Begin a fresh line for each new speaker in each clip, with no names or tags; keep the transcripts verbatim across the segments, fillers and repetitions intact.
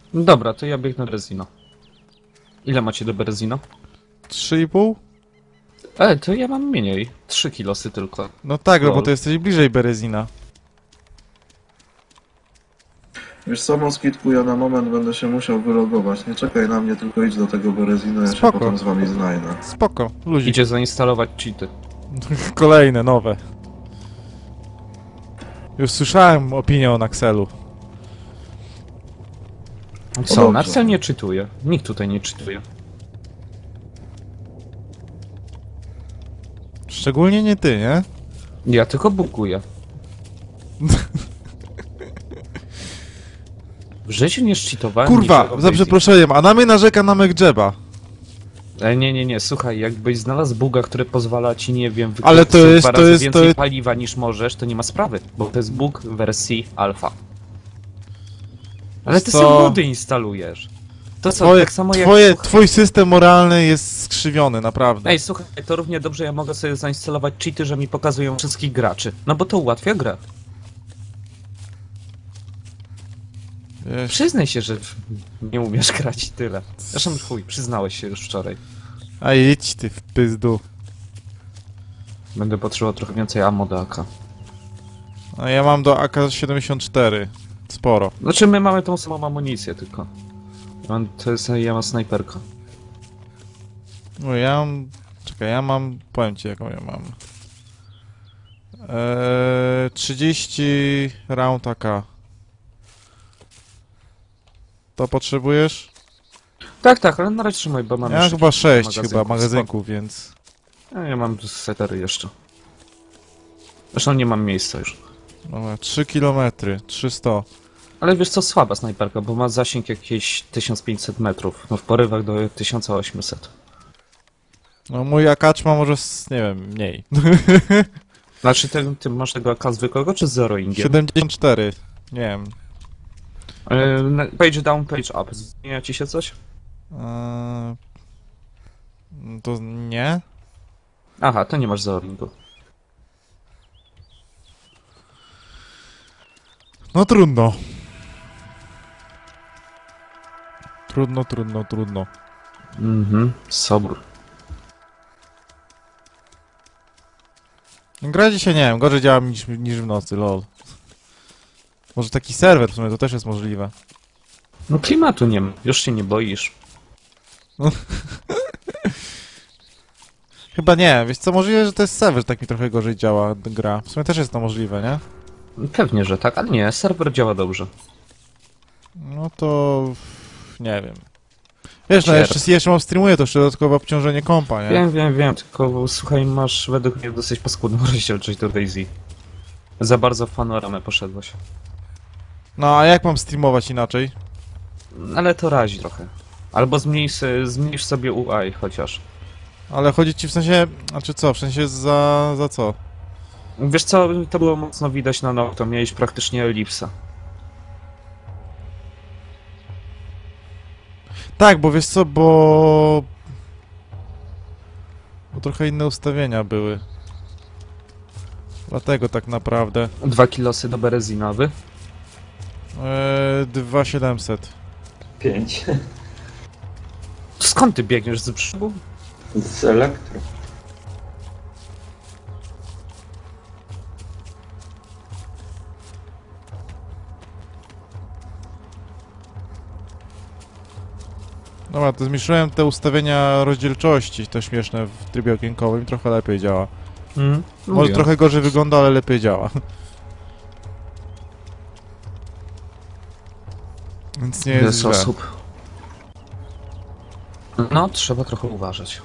Dobra, to ja biegnę do Berezino. Ile macie do Berezino?
Trzy i pół?
E, to ja mam mniej. Trzy kilosy tylko.
No tak, no bo
Lol.
to jesteś bliżej Berezina.
Wiesz co, Moskitku, ja na moment będę się musiał wylogować. Nie czekaj na mnie, tylko idź do tego Berezina, ja się
Spoko.
potem z wami znajdę.
Spoko, luzik.
Idzie zainstalować cheaty.
Kolejne, nowe. Już słyszałem opinię o Naxelu.
Co?
dobrze.
Naxel nie czytuje. Nikt tutaj nie czytuje.
Szczególnie nie ty, nie?
Ja tylko bukuję. W życiu nie szczytowałem.
Kurwa, za przeproszeniem, a na mnie narzeka na Mekdżeba.
E, nie, nie, nie, słuchaj, jakbyś znalazł buga, który pozwala ci, nie wiem,
Ale to
wykorzystać
jest-
dwa
to
razy
jest- to
więcej
jest-
paliwa niż możesz, to nie ma sprawy, bo to jest bug w wersji alfa. Ale ty
Co?
sobie mody instalujesz. To co,
Twoje,
tak samo jak...
twoje,
słuchaj-
twój system moralny jest skrzywiony, naprawdę.
Ej, słuchaj, to równie dobrze ja mogę sobie zainstalować cheaty, że mi pokazują wszystkich graczy. No bo to ułatwia grę.
Wiesz,
Przyznaj się, że nie umiesz grać i tyle. Zresztą chuj, przyznałeś się już wczoraj.
a idź ty w pizdu.
Będę potrzebował trochę więcej ammo do A K.
A ja mam do A K siedemdziesiąt cztery. Sporo.
Znaczy my mamy tą samą amunicję tylko. Ja mam, to jest, ja mam snajperkę.
No ja mam... Czekaj, ja mam... Powiem ci jaką ja mam. Eee, trzydzieści round A K. To potrzebujesz?
Tak, tak, ale na razie trzymaj, bo mam
Ja
jeszcze
chyba sześć
magazynków.
chyba magazynków, więc...
Ja, ja mam setery jeszcze. Zresztą nie mam miejsca już.
Dobra, trzy kilometry, trzysta.
Ale wiesz co, słaba snajperka, bo ma zasięg jakieś tysiąc pięćset metrów. No w porywach do tysiąc osiemset.
No mój akacz ma może, s- nie wiem, mniej.
Znaczy ty, ty masz tego A K zwykłego czy z zero ingiem?
siedemdziesiąt cztery. Nie wiem.
E, na- Page down, page up. Zmienia ci się coś?
Eee, to nie?
Aha, to nie masz zero ingu.
No trudno. Trudno, trudno, trudno.
Mhm, sobór.
Gra dzisiaj, nie wiem, gorzej działa niż, niż w nocy, lol. Może taki serwer w sumie, to też jest możliwe.
No klimatu nie ma, już się nie boisz.
Chyba nie, wiesz co, możliwe, że to jest serwer, że tak mi trochę gorzej działa gra. W sumie też jest to możliwe, nie?
Pewnie, że tak, ale nie, serwer działa dobrze.
No to... nie wiem. Wiesz, no
Cier.
jeszcze, jeszcze mam streamuję, to jeszcze dodatkowe obciążenie kompa, nie?
Wiem, wiem, wiem, tylko słuchaj, masz według mnie dosyć paskudną rozdzielczość do Daisy. Za bardzo w panoramę poszedłeś.
No a jak mam streamować inaczej?
Ale to razi trochę. Albo zmniejsz, zmniejsz sobie U I chociaż.
Ale chodzi ci w sensie... Znaczy co, w sensie za... za co?
Wiesz co, to było mocno widać na Nocto, miałeś praktycznie elipsa.
Tak, bo wiesz co, bo... Bo trochę inne ustawienia były. Dlatego tak naprawdę.
Dwa kilosy do Berezinowy.
Eee, dwa siedemset.
Pięć.
Skąd ty biegniesz z brzegu?
Z elektro.
Dobra, to zmniejszyłem te ustawienia rozdzielczości, te śmieszne w trybie okienkowym, trochę lepiej działa.
Mm,
Może trochę gorzej wygląda, ale lepiej działa. Więc nie jest
Jest
źle.
osób. No, trzeba trochę uważać.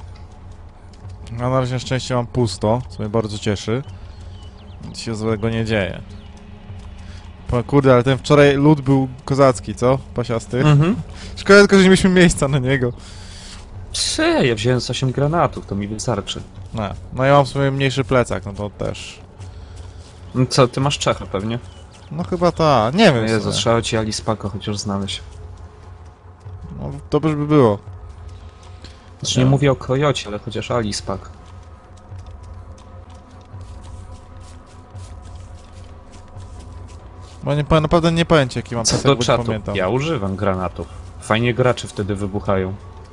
Ja na razie na szczęście mam pusto, co mnie bardzo cieszy. Nic się złego nie dzieje. Po, kurde, ale ten wczoraj lód był kozacki, co? Pasiasty.
Mhm.
Szkoda tylko, że nie mieliśmy miejsca na niego.
Czy ja wziąłem z osiem granatów, to mi wystarczy.
No, no ja mam w sumie mniejszy plecak, no to też.
No co, ty masz Czechę pewnie?
No chyba ta, nie wiem. w
Jezu,
sumie.
trzeba ci Alispaka chociaż znaleźć.
No, dobrze by było.
Znaczy nie
Ja.
mówię o Kojocie, ale chociaż Alispak.
Bo nie, powiem- naprawdę nie powiem ci, jaki mam
Co
pasek,
do
bo nie
czatu?
pamiętam.
Ja używam granatów. Fajnie gracze wtedy wybuchają.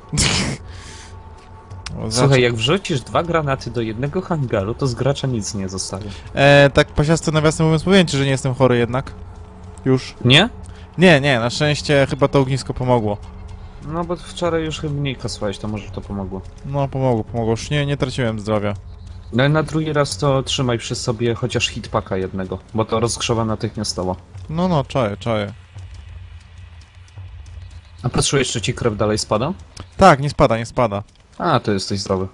O,
Słuchaj, jak wrzucisz dwa granaty do jednego hangaru, to z gracza nic nie zostaje.
E, tak pasiasty nawiasem mówiąc, powiem ci, że nie jestem chory jednak. Już.
Nie?
Nie, nie, na szczęście chyba to ognisko pomogło.
No bo wczoraj już chyba mniej kasłałeś, to może to pomogło.
No, pomogło, pomogło. Już nie, nie traciłem zdrowia.
No ale na drugi raz to trzymaj przy sobie chociaż hitpacka jednego, bo to rozgrzewa natychmiastowo.
No, no, czaję, czaję.
A patrzyłeś, czy ci krew dalej spada?
Tak, nie spada, nie spada.
A, to jesteś zdrowy.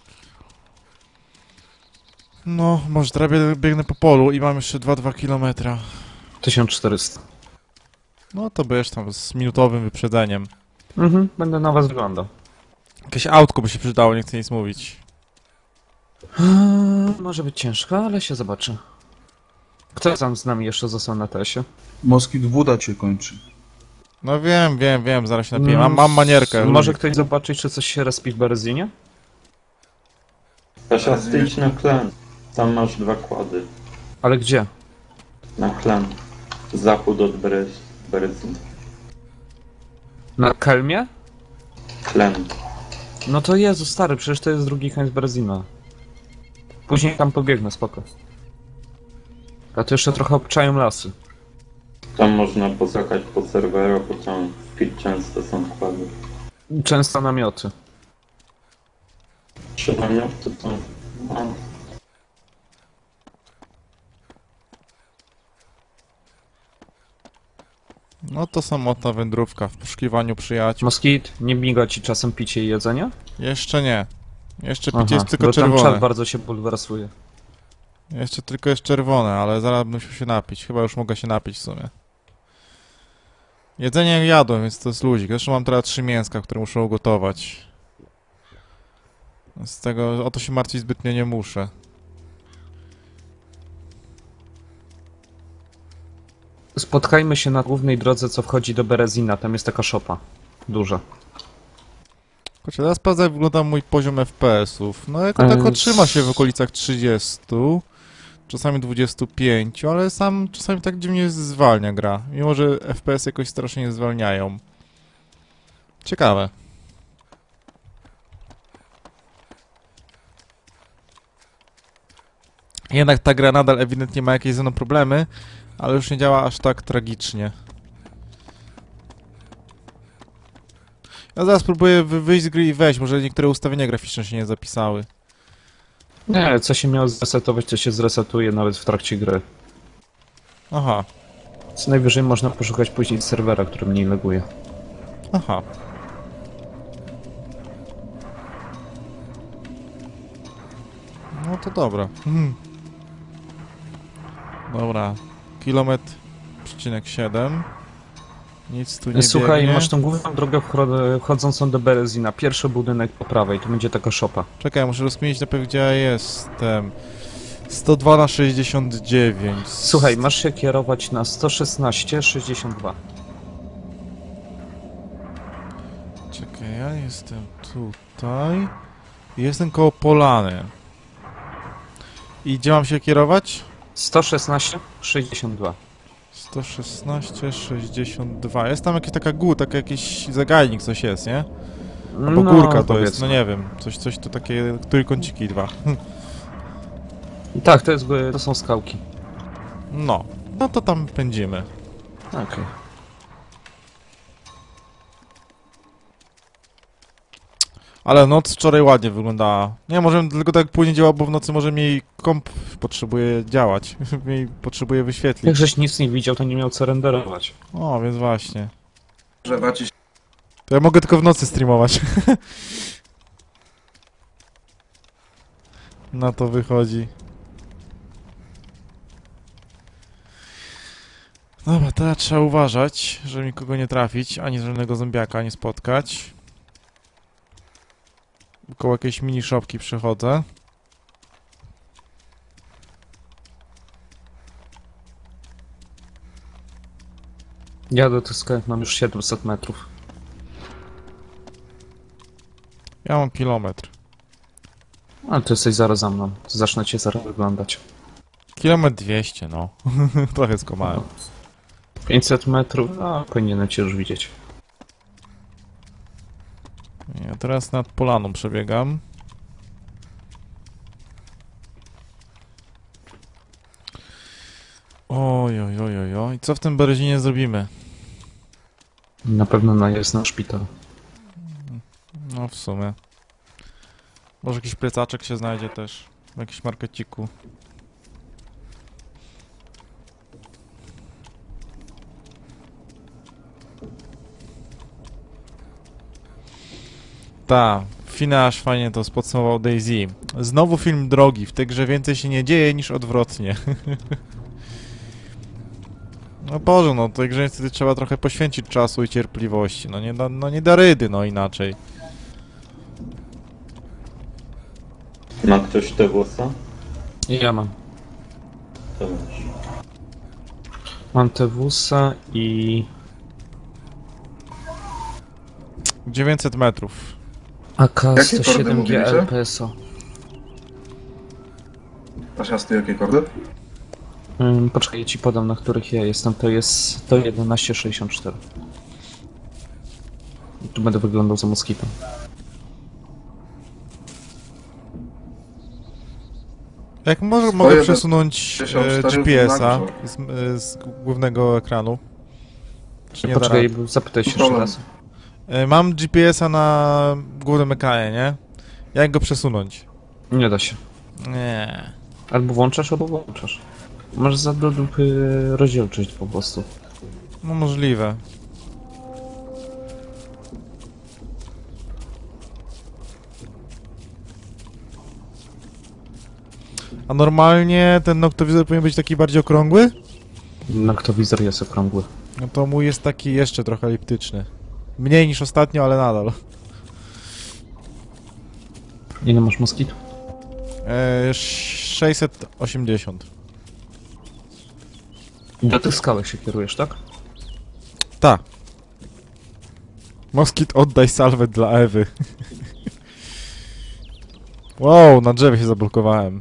No, może teraz bie- biegnę po polu i mam jeszcze dwa przecinek dwa kilometra.
tysiąc czterysta.
No to będziesz tam z minutowym wyprzedzeniem.
Mhm, będę na was wyglądał.
Jakieś autko by się przydało, nie chcę nic mówić.
Eee, może być ciężko, ale się zobaczy. Kto tam z nami jeszcze został na tesie?
Moskit woda cię kończy.
No wiem, wiem, wiem, zaraz się napiję. Mam, mam manierkę.
Może
lubię.
ktoś zobaczyć, czy coś się respi w Berezinie?
Pasiasty, idź na klan. Tam masz dwa kłady.
Ale gdzie?
Na klan. Zachód od Berez- Berezin.
Na Kelmie?
Klan.
No to Jezu, stary, przecież to jest drugi koniec Berezina. Później tam pobiegnę, spoko. A to jeszcze trochę obczają lasy.
Tam można pozakać po serwerach, bo tam w pit często są kłady.
Często namioty.
Trzy namioty to... No.
No to samotna wędrówka w poszukiwaniu przyjaciół.
Moskit, nie miga ci czasem picie i jedzenie?
Jeszcze nie. Jeszcze picie
Aha,
jest tylko
bo tam
czerwone.
czat bardzo się bulwersuje.
Jeszcze tylko jest czerwone, ale zaraz bym musiał się napić. Chyba już mogę się napić w sumie. Jedzenie jadłem, więc to jest luzik. Zresztą mam teraz trzy mięska, które muszę ugotować. Z tego o to się martwić zbytnio nie muszę.
Spotkajmy się na głównej drodze, co wchodzi do Berezina. Tam jest taka szopa. Duża.
Kurczę, teraz sprawdzę, jak wygląda mój poziom F P S-ów. No jako
Eee,
tako trzyma się w okolicach trzydziestu, czasami dwudziestu pięciu, ale sam czasami tak dziwnie zwalnia gra. Mimo, że F P S jakoś strasznie nie zwalniają. Ciekawe. Jednak ta gra nadal ewidentnie ma jakieś ze mną problemy, ale już nie działa aż tak tragicznie. Ja zaraz próbuję wy- wyjść z gry i wejść, może niektóre ustawienia graficzne się nie zapisały.
Nie, co się miało zresetować, to się zresetuje nawet w trakcie gry.
Aha,
Co najwyżej można poszukać później serwera, który mniej laguje.
aha. No to dobra. Hmm. Dobra. Kilometr przecinek siedem. Nic tu nie
Słuchaj,
biegnie.
masz tą główną drogę wchod- wchodzącą do Berezina. Pierwszy budynek po prawej, to będzie taka szopa.
Czekaj, muszę rozkminić najpierw, gdzie ja jestem. sto dwa na sześćdziesiąt dziewięć.
Słuchaj, masz się kierować na sto szesnaście sześćdziesiąt dwa.
Czekaj, ja jestem tutaj. Jestem koło Polany. I gdzie mam się kierować?
sto szesnaście sześćdziesiąt dwa.
sto szesnaście sześćdziesiąt dwa. Jest tam jakaś taka góra, taki jakiś zagajnik, coś jest, nie? Albo górka to jest, no nie wiem. Coś, coś to takie, trójkąciki dwa.
Tak, to, jest, to są skałki.
No, no to tam pędzimy.
Okej.
Ale noc wczoraj ładnie wyglądała. Nie, może tylko tak później działa, bo w nocy może mniej komp potrzebuje działać. Mniej potrzebuje
Jak
wyświetlić.
żeś nic nie widział, to nie miał co renderować.
O, więc właśnie.
Grzewa ci się
To ja mogę tylko w nocy streamować. Na to wychodzi. Dobra, teraz trzeba uważać, żeby nikogo nie trafić, ani żadnego zombiaka nie spotkać. Koło jakiejś mini shopki przechodzę.
Ja do tych skałek mam już siedemset metrów.
Ja mam kilometr.
Ale ty jesteś zaraz za mną. Zacznę cię zaraz wyglądać.
Kilometr dwieście, no. Trochę skomałem.
pięćset metrów, no powinienem cię już widzieć.
Ja teraz nad polaną przebiegam. Oj, oj, oj, oj, oj. Co w tym Berezinie zrobimy?
Na pewno najazd na szpital.
No w sumie. Może jakiś plecaczek się znajdzie też. W jakimś markeciku. Ta, Finasz fajnie to podsumował Daisy. Znowu film drogi, w tej grze więcej się nie dzieje niż odwrotnie. No Boże, no tej grze niestety trzeba trochę poświęcić czasu i cierpliwości. No nie da, no nie da rydy, no inaczej.
Ma ktoś te włosa?
Ja mam.
To weź.
Mam Tewusa i...
dziewięćset metrów.
A K
Jakie
sto
kordy
siedem G
mówiliście?
L P S O.
Pasiasty, jakie kordy?
Ym, poczekaj, ja ci podam, na których ja jestem. To jest sto jedenaście sześćdziesiąt cztery. Tu będę wyglądał za moskitem.
Jak może,
Swoje
mogę
te
przesunąć
sześćdziesiąt
e,
cztery
G P S-a
znaczą.
z, e, z głównego ekranu? Czy nie da
Poczekaj,
rady?
zapytaj się jeszcze
Problem.
raz.
E, Mam G P S-a na głównym ekranie, nie? Jak go przesunąć?
Nie da się.
Nie.
Albo włączasz, albo włączasz. Masz za do dupy rozdzielczość po prostu.
No możliwe. A normalnie ten noktowizor powinien być taki bardziej okrągły?
Noktowizor jest okrągły.
No to mój jest taki jeszcze trochę eliptyczny. Mniej niż ostatnio, ale nadal.
Ile masz moskit?
E, sześćset osiemdziesiąt.
Do tych skałek się kierujesz, tak?
Ta. Moskit, oddaj salwę dla Ewy. Wow, na drzewie się zablokowałem.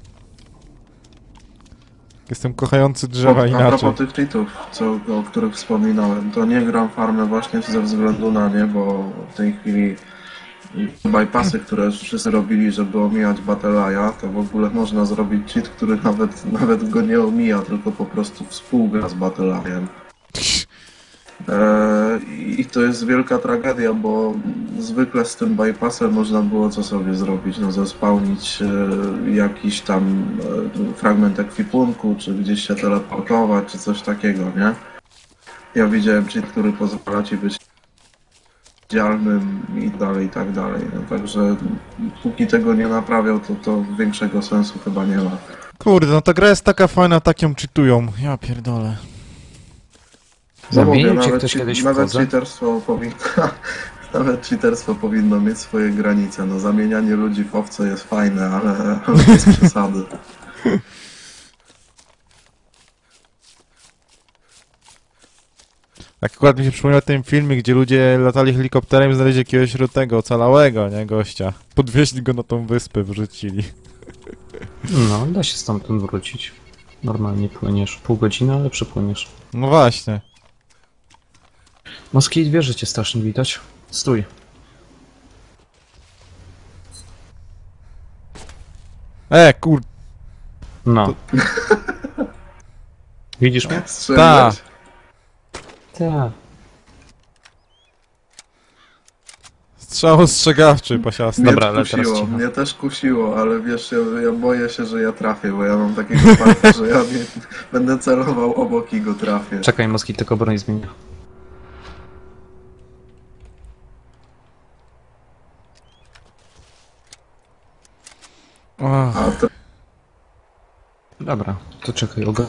Jestem kochający drzewa
O, a
inaczej.
propos tych cheatów, co, o których wspominałem, to nie gram farmę właśnie ze względu na nie, bo w tej chwili bypassy, które wszyscy robili, żeby omijać Battle'a, to w ogóle można zrobić cheat, który nawet, nawet go nie omija, tylko po prostu współgra z Battle'em. Eee, I to jest wielka tragedia, bo zwykle z tym bypassem można było co sobie zrobić, no zespałnić e, jakiś tam e, fragment ekwipunku, czy gdzieś się teleportować, czy coś takiego, nie? Ja widziałem cheat, który pozwala ci być widzialnym i dalej, i tak dalej. No, także póki tego nie naprawiał, to, to większego sensu chyba nie ma.
Kurde, no ta gra jest taka fajna, tak ją czytują. Ja pierdolę.
No mówię,
Zamienił cię
nawet,
ktoś
che-
kiedyś w
nawet
kozę?
cheaterstwo powinno, nawet cheaterstwo powinno mieć swoje granice. No zamienianie ludzi w owce jest fajne, ale, ale bez przesady.
Tak akurat mi się przypomniał ten filmik, gdzie ludzie latali helikopterem i znaleźli jakiegoś tego ocalałego, nie, gościa. Podwieźli go na tą wyspę, wrzucili.
No, da się stamtąd wrócić. Normalnie płyniesz. Pół godziny, ale przypłyniesz.
No właśnie.
Moskit wie, że cię strasznie widać. Stój.
E, kur...
No. Widzisz mnie?
Strzeliłeś.
Tak.
Strzał ostrzegawczy, pasiasty.
Mnie
Dobra, ale teraz
kusiło,
cicho.
mnie też kusiło, ale wiesz, ja, ja boję się, że ja trafię, bo ja mam takiego farta, że ja nie, będę celował obok i go trafię.
Czekaj, Moskit tylko broń zmienia.
Ach,
A to
Dobra, to czekaj, ogarnę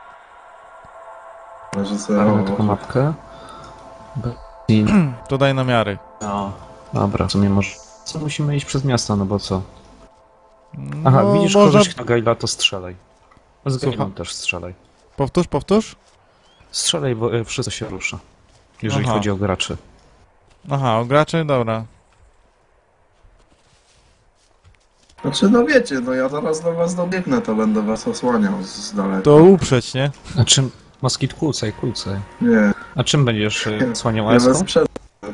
że sobie
taką mapkę. I...
to daj namiary.
No. Dobra, w sumie może... Co, musimy iść przez miasto, no bo co? Aha,
No,
widzisz
można...
kogoś na Gaila, to strzelaj. Z Gailem
Słucham?
też strzelaj.
Powtórz, powtórz?
Strzelaj, bo e, wszystko się rusza. Jeżeli
Aha.
chodzi o graczy.
Aha, o graczy? Dobra.
Znaczy, no wiecie, no ja zaraz do was dobiegnę, to będę was osłaniał z, z daleka.
To uprzeć, nie?
Znaczy, Moskit, kłócaj, kłócaj.
Nie,
A czym będziesz y, słaniał
nie
eską?
bez przed...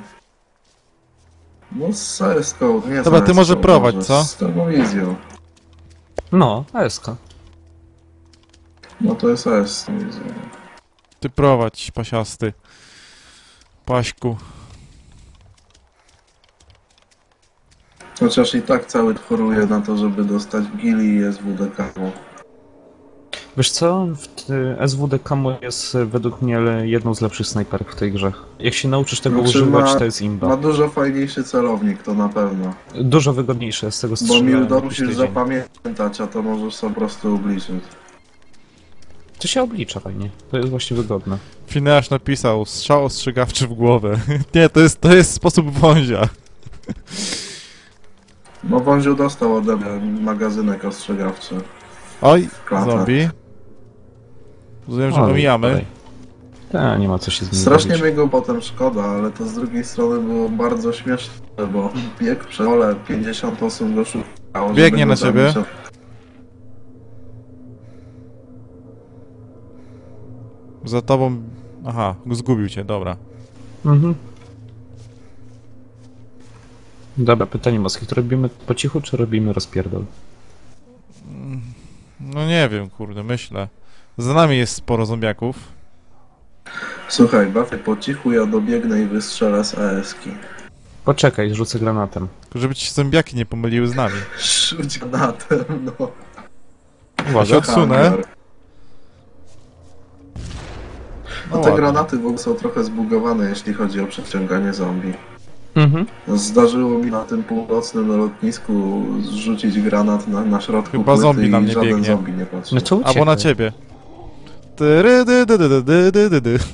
No z A S K, nie z
Dobra, ty
A S K,
może prowadź,
może
co?
Z termowizją.
No, eska.
No to jest A S K.
Ty prowadź, pasiasty. Paśku.
Chociaż i tak cały choruje na to, żeby dostać gili i S W D K.
Wiesz co, w y, S W D Camo jest y, według mnie le- jedną z lepszych snajperek w tej grze. Jak się nauczysz tego
Znaczy
używać,
ma-
to jest imba.
Ma dużo fajniejszy celownik, to na pewno.
Dużo wygodniejsze z tego
Bo
strzelania
Mildo
niż
musisz
tydzień.
zapamiętać, a to możesz sobie po prostu obliczyć.
To się oblicza fajnie, to jest właśnie wygodne.
Fineasz napisał, strzał ostrzegawczy w głowę. Nie, to jest, to jest sposób wązia.
No Wąziu dostał ode mnie magazynek ostrzegawczy.
Oj,
Klata.
zombie. Rozumiem, że
O,
omijamy.
dalej. Ta, nie ma co się z nim
Strasznie
bawić.
mi go potem szkoda, ale to z drugiej strony było bardzo śmieszne, bo bieg przez pole, pięćdziesiąt osób go szukało. żeby
Biegnie
go
na ciebie.
zabić.
Za tobą... Aha, zgubił cię, dobra.
Mhm. Dobra, pytanie Moskit, robimy po cichu, czy robimy rozpierdol?
No nie wiem, kurde, myślę. Za nami jest sporo zombiaków.
Słuchaj, bawię po cichu, ja dobiegnę i wystrzelę z A S ki.
Poczekaj, rzucę granatem.
Tylko żeby ci się zombiaki nie pomyliły z nami.
Rzuć granatem, no.
Ja się
Uwaga.
odsunę.
Hangar.
No
No te
ładnie.
granaty w ogóle są trochę zbugowane, jeśli chodzi o przeciąganie zombie.
Mhm.
Zdarzyło mi na tym północnym lotnisku zrzucić granat na, na środku
Chyba
płyty
zombie na
i
mnie
żaden
biegnie.
zombie nie patrzył.
No to uciekaj.
Albo na ciebie. Tyry, dy, dy, dy, dy, dy, dy, dy.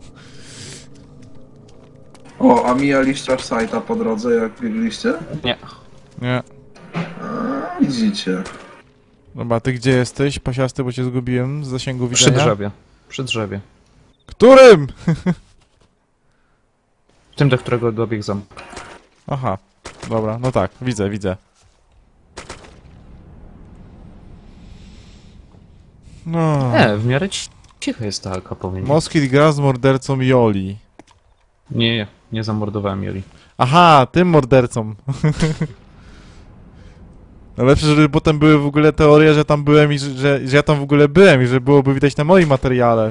O, a mijaliście aż sajta po drodze, jak biegliście?
Nie.
Nie.
A, widzicie.
Dobra, ty gdzie jesteś, pasiasty, bo cię zgubiłem z zasięgu
Przy
widzenia?
drzewie. Przy drzewie.
Którym?
Tym, do którego dobiegł ząb.
Aha, dobra, no tak, widzę, widzę. No.
E, w miarę ci- cicho jest ta alka, powiem.
Moskit gra z mordercą Joli.
Nie, nie, nie zamordowałem Joli.
Aha, tym mordercą. Najlepsze, żeby potem były w ogóle teorie, że tam byłem i że, że, że ja tam w ogóle byłem i że byłoby widać na moim materiale.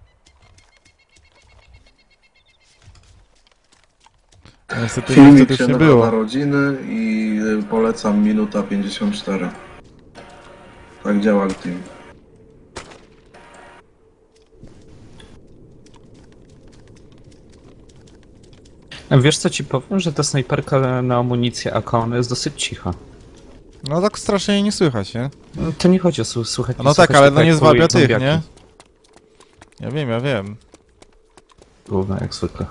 A niestety nic
Filmik
wtedy
się
już nie
nazywa
było.
Narodziny i y, polecam minuta pięćdziesiąt cztery. Tak działa team.
A wiesz co ci powiem, że ta snajperka na amunicję A K, ona jest dosyć cicha.
No tak strasznie jej nie słychać, nie?
No, to nie chodzi o słu- słuchać.
No
słuchać
tak, ale
tylko
no nie
jak
zwabia
poluje
tych,
zombiaki.
nie? Ja wiem, ja wiem.
Gówno, jak zwykle.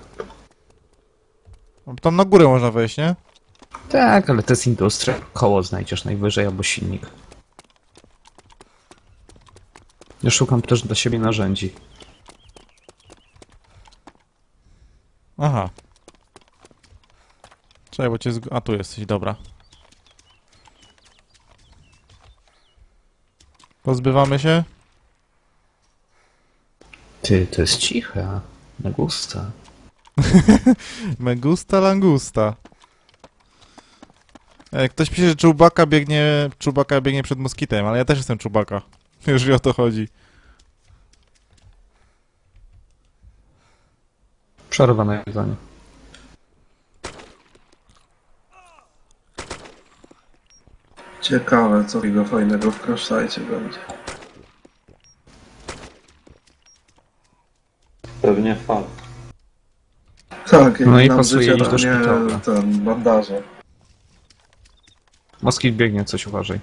Tam na górę można wejść, nie?
Tak, ale to jest industria. Koło znajdziesz najwyżej, albo silnik. Ja szukam też dla siebie narzędzi.
Aha. Czekaj, bo cię zg... A, tu jesteś, dobra. Pozbywamy się?
Ty, to jest ciche. Na gusta.
Megusta langusta. Ej, ktoś pisze, że Czubaka biegnie... Czubaka biegnie przed moskitem, ale ja też jestem Czubaka. Jeżeli o to chodzi.
Przerwane jedzenie.
Ciekawe, co takiego fajnego w Crashsite będzie.
Pewnie fakt.
Tak, jak
No i
nam
pasuje
życie
iść do
danie
szpitala.
ten bandaże.
Moskit biegnie, coś uważaj.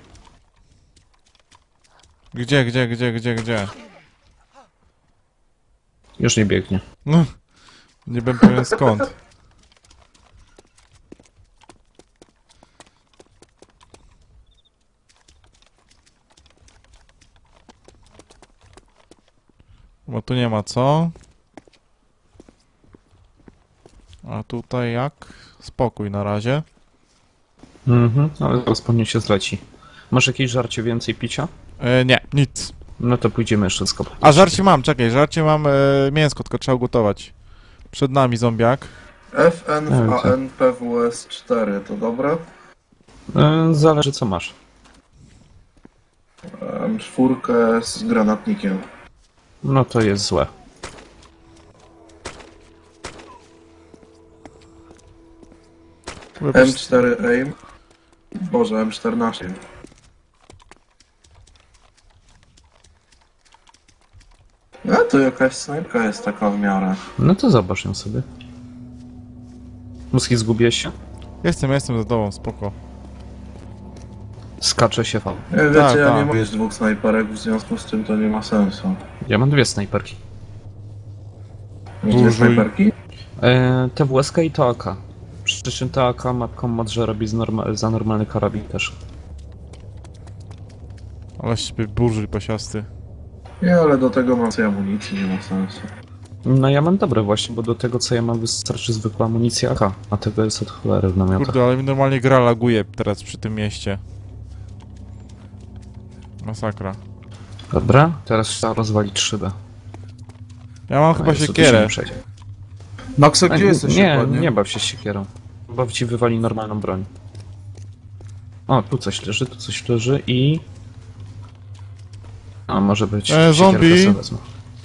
Gdzie, gdzie, gdzie, gdzie, gdzie?
Już nie biegnie.
No, nie bym pewien skąd. Bo tu nie ma co. A tutaj jak? Spokój na razie.
Mhm, ale zaraz pewnie się zleci. Masz jakieś żarcie więcej picia?
E, nie, nic.
No to pójdziemy jeszcze skopać.
A żarcie mam, czekaj, żarcie mam e, mięsko, tylko trzeba ugotować. Przed nami zombiak.
F N W A N P W S cztery, to dobre?
E, zależy co masz.
M cztery z granatnikiem.
No to jest złe.
M cztery aim. Boże, M czternaście. No to jakaś snajpka jest taka w miarę.
No to zobacz ją sobie. Muski, zgubiłeś się?
Jestem, jestem za tobą, spoko.
Skacze się V.
Nie, wiecie,
Tak,
ja
tak.
nie mogę mieć dwóch snajperek, w związku z czym to nie ma sensu.
Ja mam dwie snajperki.
Dwie
Użyj.
snajperki?
E, T W S K i T A K. Przy czym T A K ma komod, że robi z norma za normalny karabin też.
Ale się burzyj pasiasty.
Nie, ale do tego mam sobie amunicji, nie ma sensu.
No ja mam dobre właśnie, bo do tego co ja mam wystarczy zwykła amunicja A K, a tego jest od cholery w namiotach.
Kurde, ale mi normalnie gra laguje teraz przy tym mieście. Masakra.
Dobra, teraz trzeba rozwalić szybę.
Ja mam
A,
chyba
Jezu, tu się
siekierę.
nie przejdzie.
Maxa,
A,
gdzie jesteś
nie,
dokładnie?
nie baw się siekierą. Baw ci wywali normalną broń. O, tu coś leży, tu coś leży i... A, może być
E,
siekierka
zombie.
sobie wezmę.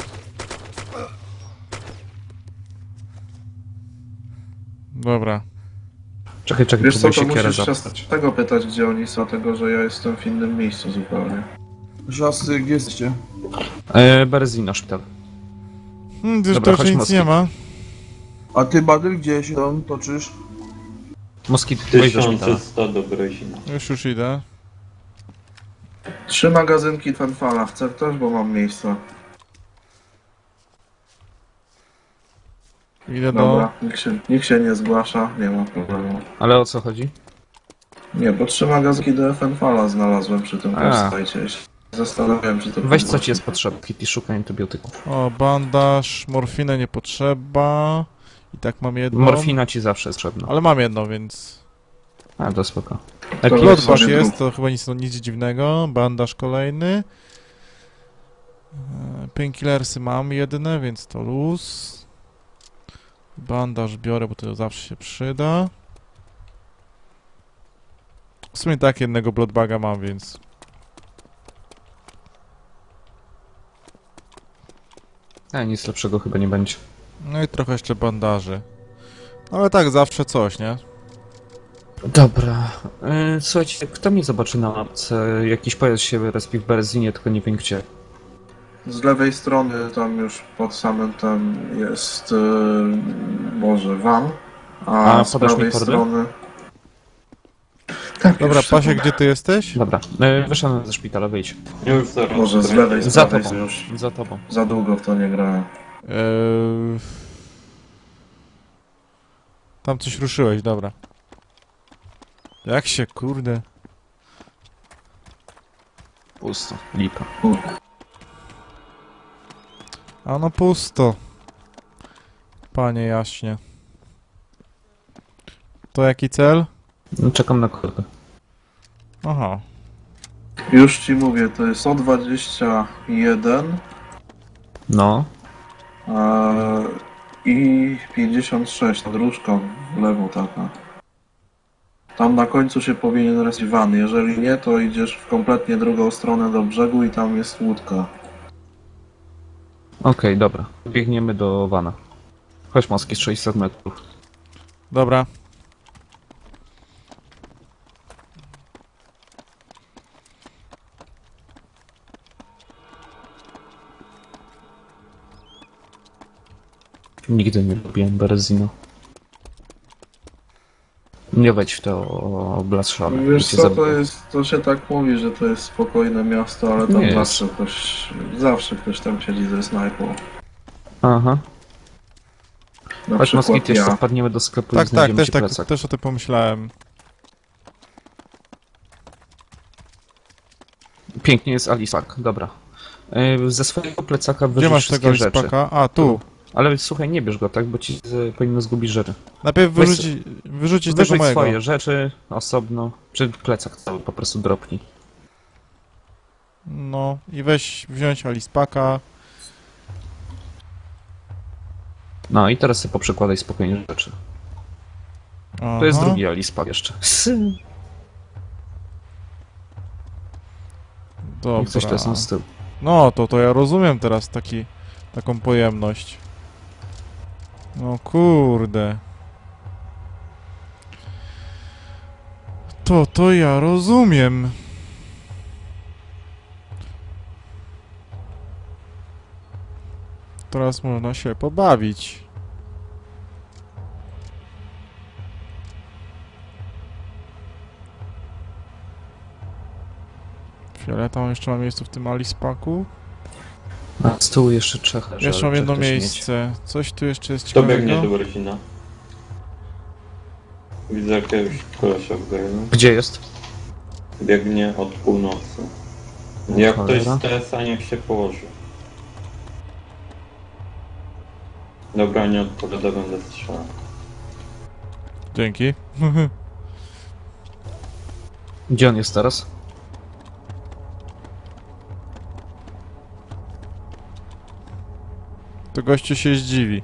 Dobra.
Czekaj, czekaj,
Wiesz co,
próbuję
to
siekierę
musisz się
zapytać.
z tego pytać, gdzie oni są, dlatego że ja jestem w innym miejscu zupełnie.
Żasy, gdzie jesteście?
E, Berezino, szpital.
Hmm, gdzieś
Dobra,
to
chodź,
nic
Moski.
nie ma.
A ty, Badyl, gdzie się tam toczysz?
Moskit, wejdź do szpitala.
tysiąc sto do Brezina.
Już, już idę.
Trzy magazynki Fenfala, chce ktoś, bo mam miejsce.
Idę do...
Dobra, nikt się, nikt się nie zgłasza, nie ma problemu.
Ale o co chodzi?
Nie, bo trzy magazynki do Fenfala znalazłem przy tym
A.
website. Zastanawiałem się, czy to
Weź co
podgłośnić.
ci jest potrzebne, i szukaj antybiotyków.
O, bandaż, morfinę nie potrzeba. I tak mam jedną.
Morfina ci zawsze jest potrzebna.
Ale mam jedną, więc...
A, to spoko.
To
Epi,
weź
Bloodbath
sobie
jest,
drób.
to chyba nic, no, nic dziwnego. Bandaż kolejny. E, Painkillersy mam jedne, więc to luz. Bandaż biorę, bo to zawsze się przyda. W sumie tak, jednego bloodbaga mam, więc...
A, nic lepszego chyba nie będzie.
No i trochę jeszcze bandaży. No ale tak, zawsze coś, nie?
Dobra. Yy, słuchajcie, kto mnie zobaczy na mapce? Jakiś pojazd się respi w Berezinie, tylko nie wiem gdzie.
Z lewej strony, tam już pod samym tam jest, yy, może van, a,
A
z
podasz mi
prawej
kordy?
strony... Tak,
Dobra,
już
Pasie,
sekundę.
gdzie ty jesteś?
Dobra, yy, wyszedłem ze szpitala, wyjdź.
Już zaraz.
Może z
Brezin.
lewej, z
Za
prawej,
tobą.
już
Za tobą.
za długo w to nie grałem.
Eee... Tam coś ruszyłeś, dobra. Jak się, kurde...
Pusto. Lipa.
A no pusto. Panie jaśnie. To jaki cel?
No, czekam na kordę.
Aha.
Już ci mówię, to jest sto dwadzieścia jeden
No.
a, i pięćdziesiąt sześć nad różką w lewo taka. Tam na końcu się powinien respić van, jeżeli nie, to idziesz w kompletnie drugą stronę do brzegu i tam jest łódka.
Okej, dobra. Biegniemy do wana. Chodź, Moski, z sześćset metrów.
Dobra.
Nigdy nie lubiłem Berezino. Nie wejdź w to blaszane.
Wiesz co, to jest, to się tak mówi, że to jest spokojne miasto, ale tam
Nie jest.
zawsze ktoś, zawsze ktoś tam siedzi ze snajpą.
Aha.
Na
Chodź,
przykład
Moskit, jeszcze
ja.
wpadniemy do sklepu i
Tak, tak,
znajdziemy
też,
ci
tak,
plecak.
też o tym pomyślałem.
Pięknie jest Alisak, dobra. Yy, ze swojego plecaka
Gdzie
wyrzuć
masz
wszystkie
tego
rzeczy.
lispaka? A, tu.
Ale słuchaj, nie bierz go, tak? Bo ci z, powinno zgubić rzeczy.
Najpierw
Weź-
wyrzuci, wyrzucić tego
Wyrzuć
mojego.
swoje rzeczy osobno, czy plecak cały po prostu dropnij.
No i weź wziąć Alispaka.
No i teraz sobie poprzekładaj spokojnie rzeczy. To jest drugi Alispak jeszcze. I coś to
Dobra.
są z tyłu.
No, to, to ja rozumiem teraz taki, taką pojemność. No kurde. To, to ja rozumiem. Teraz można się pobawić. Fioleta jeszcze ma miejsce w tym Alispaku.
A z tyłu jeszcze trzech leży.
Jeszcze mam
ale
jedno
trzech też mieć.
miejsce. Coś tu jeszcze jest
Kto biegnie
ciekawego.
do Berzina? Widzę jakiegoś kolesia w gaju.
Gdzie jest?
Biegnie od północy. Jak ktoś
Cholera.
z T S A niech się położy. Dobra, nie odpowiada, będę strzelał.
Dzięki.
Gdzie on jest teraz?
To gościu się zdziwi.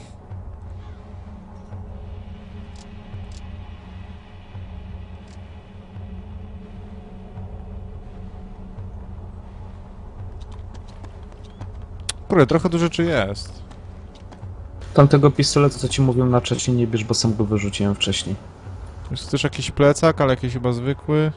Kurde, trochę tu rzeczy jest.
Tamtego pistoletu, co ci mówiłem na czacie, nie bierz, bo sam go wyrzuciłem wcześniej.
Jest też jakiś plecak, ale jakiś chyba zwykły.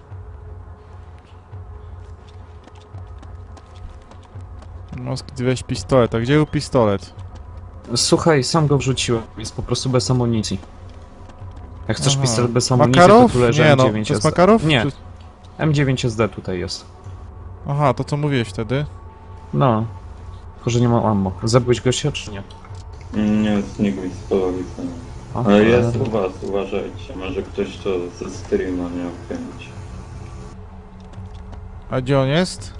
Moskit, weź pistolet. A gdzie był pistolet?
Słuchaj, sam go wrzuciłem. Jest po prostu bez amunicji. Jak chcesz
Aha.
pistolet bez amunicji,
Makarow?
to tu leży
Nie
M
no,
dziewięć
to jest
S D.
Makarow?
Nie,
Czy...
M dziewięć S D tutaj jest.
Aha, to co mówiłeś wtedy?
No. Tylko, że nie mam ammo. Zabiłeś gościa, czy nie?
Nie, znikł mi z polowicą.
O,
Ale jest
cholera.
u was, uważajcie. Może ktoś to ze streama miał chęć.
A gdzie on jest?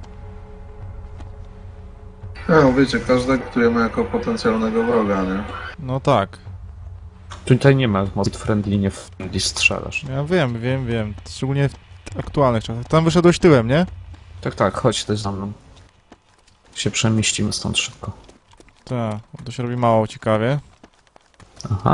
No wiecie, każdego traktujemy jako potencjalnego wroga, nie?
No tak.
Tutaj nie ma mod friendly, nie friendly strzelasz.
Ja wiem, wiem, wiem. Szczególnie w aktualnych czasach. Tam wyszedłeś tyłem, nie?
Tak, tak, chodź też za mną. Się przemieścimy stąd szybko.
Tak, to się robi mało ciekawie.
Aha.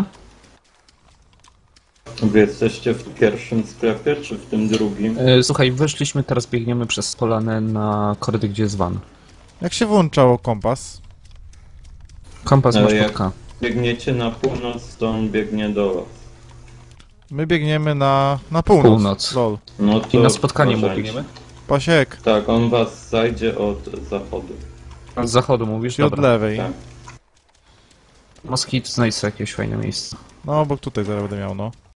Wy jesteście w pierwszym sklepie, czy w tym drugim?
E, słuchaj, wyszliśmy, teraz biegniemy przez polanę na korytarz, gdzie jest van.
Jak się włączało kompas?
Kompas
Ale
masz
jak-
pod K.
Biegniecie na północ, to on biegnie do was.
My biegniemy na, na północ.
Północ.
Lol.
No to
I na spotkanie mu
uważajcie.
biegniemy?
Pasiek,
Tak, on was zajdzie od zachodu.
Z zachodu mówisz?
czyli od
Dobra.
lewej.
Tak.
Moskit, znajdź sobie jakieś fajne miejsce.
No, bo tutaj zaraz będę miał, no.